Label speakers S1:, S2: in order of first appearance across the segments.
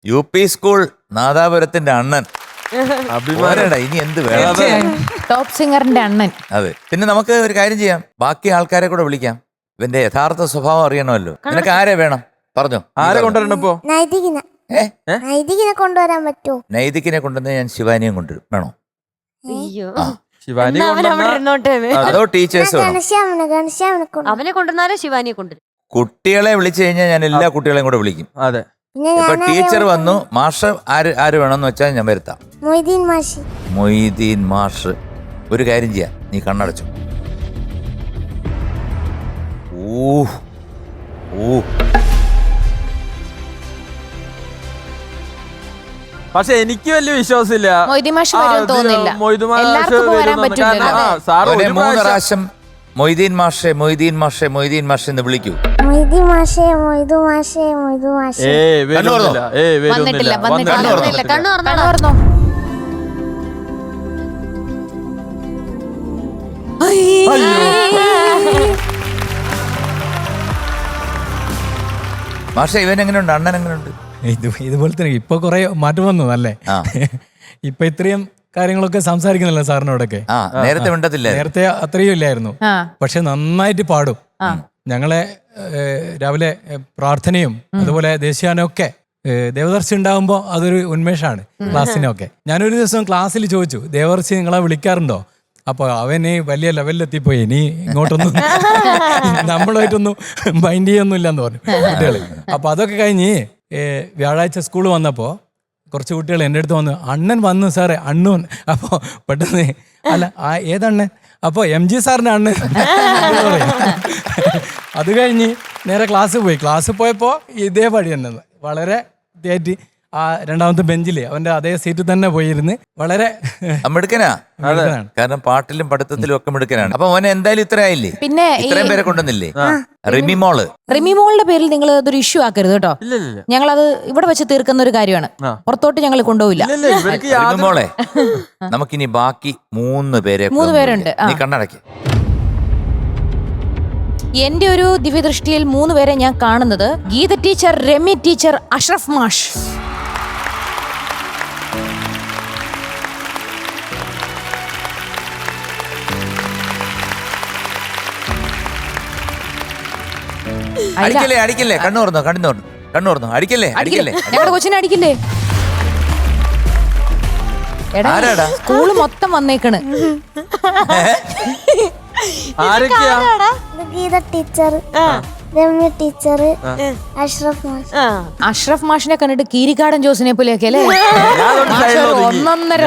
S1: UP school നാദാപുരത്തിന്റെ അണ്ണൻ. അഭിമാനടാ, ഇനി എന്ത് വേണം?
S2: ടോപ്പ് സിംഗറിന്റെ അണ്ണൻ.
S1: അതെ. പിന്നെ നമുക്ക് ഒരു കാര്യം ചെയ്യാം, ബാക്കി ആൾക്കാരെ കൂടെ വിളിക്കാം. ഇവന്റെ യഥാർത്ഥ സ്വഭാവം അറിയണമല്ലോ. നിനക്ക് ആരെ വേണം പറഞ്ഞോ?
S3: ആരെ കൊണ്ടുവരണപ്പോ?
S4: നൈതികിനെ കൊണ്ടുവരാൻ പറ്റുമോ?
S1: നൈതികിനെ കൊണ്ടുവന്ന് ഞാൻ ശിവാനിയും കൊണ്ടുവരും. വേണോ?
S3: ശിവാനി
S1: അതോ ടീച്ചേഴ്സ്
S5: അവനെ കൊണ്ടുവന്നാലേ ശിവാനിയെ കൊണ്ടുവരും.
S1: കുട്ടികളെ വിളിച്ചു കഴിഞ്ഞാൽ ഞാൻ എല്ലാ കുട്ടികളെയും കൂടെ വിളിക്കും.
S3: അതെ.
S1: ഇപ്പൊ ടീച്ചർ വന്നു, മാഷ് ആര് വേണമെന്ന് വെച്ചാൽ ഞാൻ വരുത്താം. മൊയ്തീൻ മാഷ്. ഒരു കാര്യം ചെയ്യാം, നീ കണ്ണടച്ചു.
S3: പക്ഷെ എനിക്ക് വലിയ വിശ്വാസമില്ല
S2: മൊയ്തീൻ മാഷ് വരും തോന്നില്ല. എല്ലാവർക്കും വരാൻ പറ്റില്ല.
S1: 3 പ്രാവശ്യം മൊയ്തീൻ മാഷെ മൊയ്തീൻ മാഷെ മൊയ്തീൻ മാഷെ എന്ന് വിളിക്കൂ.
S2: വന്നിട്ടില്ല.
S5: കണ്ണു തുറന്നോ.
S1: മാഷെ ഇവൻ എങ്ങനെയുണ്ട്? അണ്ണൻ എങ്ങനെയുണ്ട്?
S6: ഇതുപോലെ തന്നെ ഇപ്പൊ കുറെ മാറ്റം വന്നു അല്ലേ? ഇപ്പൊ ഇത്രയും കാര്യങ്ങളൊക്കെ സംസാരിക്കുന്നില്ല സാറിനോടൊക്കെ.
S1: നേരത്തെ മിണ്ടത്തില്ല.
S6: നേരത്തെ അത്രയും ഇല്ലായിരുന്നു. പക്ഷെ നന്നായിട്ട് പാടും. ഞങ്ങളെ രാവിലെ പ്രാർത്ഥനയും അതുപോലെ ദേശീയാനൊക്കെ ദേവദർശി ഉണ്ടാകുമ്പോ അതൊരു ഉന്മേഷമാണ് ക്ലാസ്സിനൊക്കെ. ഞാനൊരു ദിവസം ക്ലാസ്സിൽ ചോദിച്ചു, ദേവദർശി നിങ്ങളെ വിളിക്കാറുണ്ടോ? അപ്പൊ അവന് വലിയ ലെവലിലെത്തിപ്പോയി, ഇനി ഇങ്ങോട്ടൊന്നും നമ്മളായിട്ടൊന്നും മൈൻഡ് ചെയ്യൊന്നുമില്ല എന്ന് പറഞ്ഞു കുട്ടികള്. അപ്പൊ അതൊക്കെ കഴിഞ്ഞ് വ്യാഴാഴ്ച സ്കൂൾ വന്നപ്പോ കുറച്ച് കുട്ടികൾ എൻ്റെ അടുത്ത് വന്നു, അണ്ണൻ വന്നു സാറേ, അണ്ണൻ. അപ്പോൾ പെട്ടെന്ന് അല്ല ഏതണ്ണൻ? അപ്പോൾ MG സാറിൻ്റെ അണ്ണൻ. അത് കഴിഞ്ഞ് നേരെ ക്ലാസ് പോയപ്പോൾ ഇതേ പടി തന്നെ വളരെ ഇതായിട്ട് ആ രണ്ടാമത്തെ ബെഞ്ചില് അവന്റെ അതേ സീറ്റിൽ തന്നെ പോയിരുന്ന് വളരെ
S1: മിടുക്കനാണ്. കാരണം പാട്ടിലും പഠിത്തത്തിലും ഒക്കെ മിടുക്കനാണ്. അപ്പൊ മോനെ എന്തായാലും ഇത്ര ആയില്ലേ?
S2: പിന്നെ
S1: ഇത്രയും പേരെ കൊണ്ടുവന്നില്ലേ?
S2: റിമിമോളുടെ പേരിൽ നിങ്ങൾ അതൊരു ഇഷ്യൂ ആക്കരുത് കേട്ടോ. ഞങ്ങൾ അത് ഇവിടെ വെച്ച് തീർക്കുന്ന ഒരു കാര്യമാണ്. പുറത്തോട്ട് ഞങ്ങൾ കൊണ്ടുപോയില്ല.
S1: റിമിമോളെ, നമുക്കിനി ബാക്കി 3 പേരുണ്ട്. നീ കണ്ണടക്കി.
S2: എന്റെ ഒരു ദിവ്യദൃഷ്ടിയിൽ 3 പേരെ ഞാൻ കാണുന്നത് ഗീത ടീച്ചർ, രമ്യ ടീച്ചർ, അഷ്റഫ് മാഷ്.
S1: അടിക്കല്ലേ കണ്ണൂർന്നു അടിക്കല്ലേ.
S2: ഞങ്ങളുടെ കൊച്ചിനെ അടിക്കില്ലേ? എടാ, സ്കൂള് മൊത്തം വന്നേക്കണ്.
S4: ഗീത ടീച്ചർ, രമ്യ ടീച്ചർ,
S2: അഷ്റഫ് മാഷിനെ കണ്ടിട്ട് കീരിക്കാടൻ ജോസിനെ പോലെയൊക്കെ അല്ലേ? ഒന്നൊന്നര.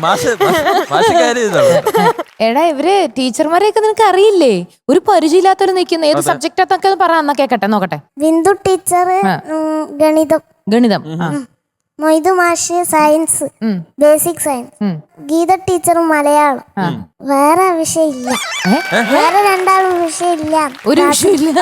S2: എടാ, ഇവര് ടീച്ചർമാരെയൊക്കെ നിനക്ക് അറിയില്ലേ? ഒരു പരിചയമില്ലാത്തവര് നിൽക്കുന്ന ഏത് സബ്ജക്റ്റൊക്കെ പറയാ കേക്കട്ടെ, നോക്കട്ടെ.
S4: ബിന്ദു ടീച്ചർ
S2: ഗണിതം.
S4: മൊയ്തു മാഷ് science, basic science. Geetha teacher Malayalam. വേറെ വിഷയമില്ല. വേറെ 2 വിഷയമില്ല.
S2: ഒരു വിഷയമില്ല.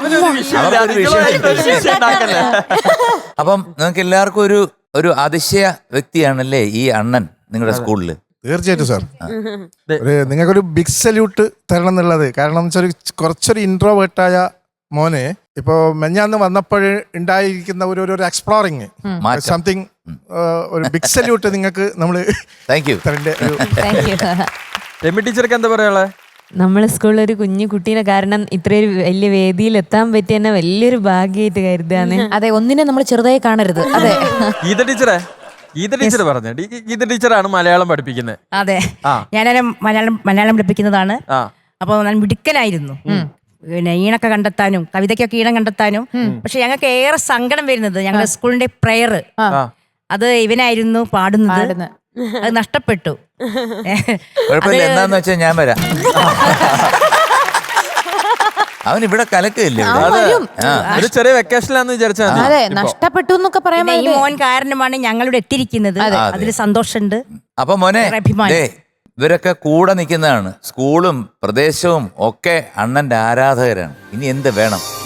S1: അപ്പം നിങ്ങൾക്ക് എല്ലാവർക്കും ഒരു അതിശയ വ്യക്തിയാണല്ലേ ഈ അണ്ണൻ നിങ്ങളുടെ സ്കൂളില്?
S7: തീർച്ചയായിട്ടും സാർ. നിങ്ങൾക്കൊരു ബിഗ് സല്യൂട്ട് തരണം എന്നുള്ളത്. കാരണം വെച്ചാൽ കുറച്ചൊരു ഇൻട്രോവേർട്ടായ മോനെ ഇപ്പോ മെഞ്ഞാന്ന് വന്നപ്പോൾ ഉണ്ടായിരിക്കുന്ന ഒരു എക്സ്പ്ലോറിങ് സംതിങ്, ഒരു ബിഗ് സല്യൂട്ട് നിങ്ങൾക്ക് നമ്മള്
S3: ടീച്ചർക്ക് എന്താ പറയാ?
S8: നമ്മളെ സ്കൂളിൽ ഒരു കുഞ്ഞു കുട്ടീനെ കാരണം ഇത്രയൊരു വലിയ വേദിയിൽ എത്താൻ പറ്റിയ തന്നെ വലിയൊരു ഭാഗ്യമായിട്ട് കരുതാണ്.
S2: അതെ, ഒന്നിനെ നമ്മൾ ചെറുതായി കാണരുത്. അതെ.
S3: ഗീത ടീച്ചർ പറഞ്ഞു, ഗീത ടീച്ചറാണ് മലയാളം പഠിപ്പിക്കുന്നത്.
S9: അതെ, ഞാനൊരു മലയാളം പഠിപ്പിക്കുന്നതാണ്. അപ്പൊ ഞാൻ മിടുക്കനായിരുന്നു. പിന്നെ ഈണൊക്കെ കണ്ടെത്താനും കവിതയ്ക്കൊക്കെ ഈണം കണ്ടെത്താനും. പക്ഷെ ഞങ്ങൾക്ക് ഏറെ സങ്കടം വരുന്നത് ഞങ്ങളുടെ സ്കൂളിന്റെ പ്രെയർ, അത് ഇവനായിരുന്നു പാടുന്നത്. അത് നഷ്ടപ്പെട്ടു.
S1: എന്താന്ന് വെച്ചാൽ ഞാൻ വരാം. അവൻ ഇവിടെ കലക്കില്ലേ?
S3: ഒരു ചെറിയ വെക്കേഷനിലാന്ന് വിചാരിച്ചാൽ
S2: അതെ, നഷ്ടപ്പെട്ടു എന്നൊക്കെ പറയാൻ.
S9: ഈ മോൻ കാരണമാണ് ഞങ്ങളിവിടെ എത്തിയിരിക്കുന്നത്. അതിൽ സന്തോഷമുണ്ട്.
S1: അപ്പൊ മോനെ, ഇവരൊക്കെ കൂടെ നിൽക്കുന്നതാണ്. സ്കൂളും പ്രദേശവും ഒക്കെ അണ്ണന്റെ ആരാധകരാണ്. ഇനി എന്ത് വേണം?